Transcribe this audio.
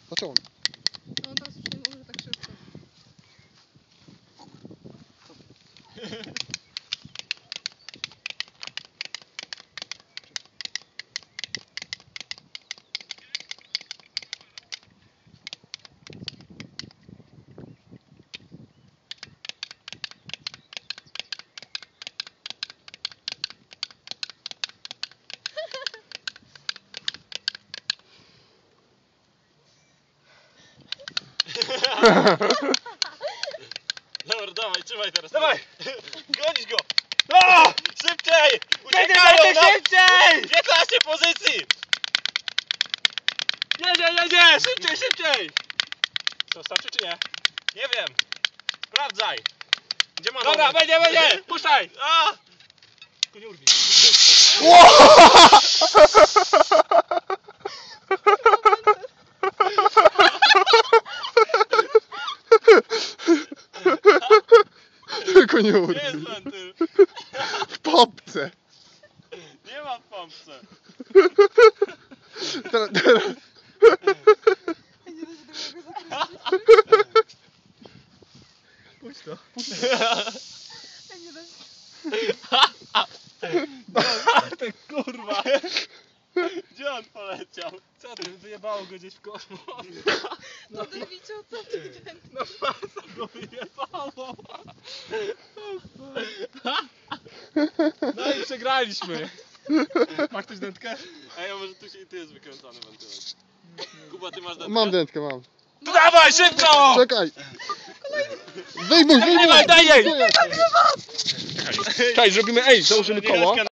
Dlaczego? No teraz już nie może tak szybko. Dobra, dawaj, trzymaj teraz. Dawaj! Gonić go! O! Szybciej! Uciekają nam! Szybciej! 15 pozycji! Jedzie! Szybciej! Co, starczy czy nie? Nie wiem. Sprawdzaj. Gdzie ma Dobra, numer? będzie! Puszczaj! A! Tylko nie urwij. Tylko nie Gdzie urwi. jest wentyl? W popce. Nie ma w pompce. Teraz. Nie da się tego zakręcić. Puść to. Nie da się. Ty kurwa! Gdzie on poleciał? Co ty, wyjebało go gdzieś w kosmos? No ty widział, co ty ten... No masa go wyjebało! No i przegraliśmy! Masz ktoś dętkę? Ej, a może tu jest wykręcany wentylek. Kuba, ty masz dętkę? Mam dętkę, mam. To dawaj, szybko! Czekaj. Wyjmuj! Daj jej! Czekaj, zrobimy, założymy koło.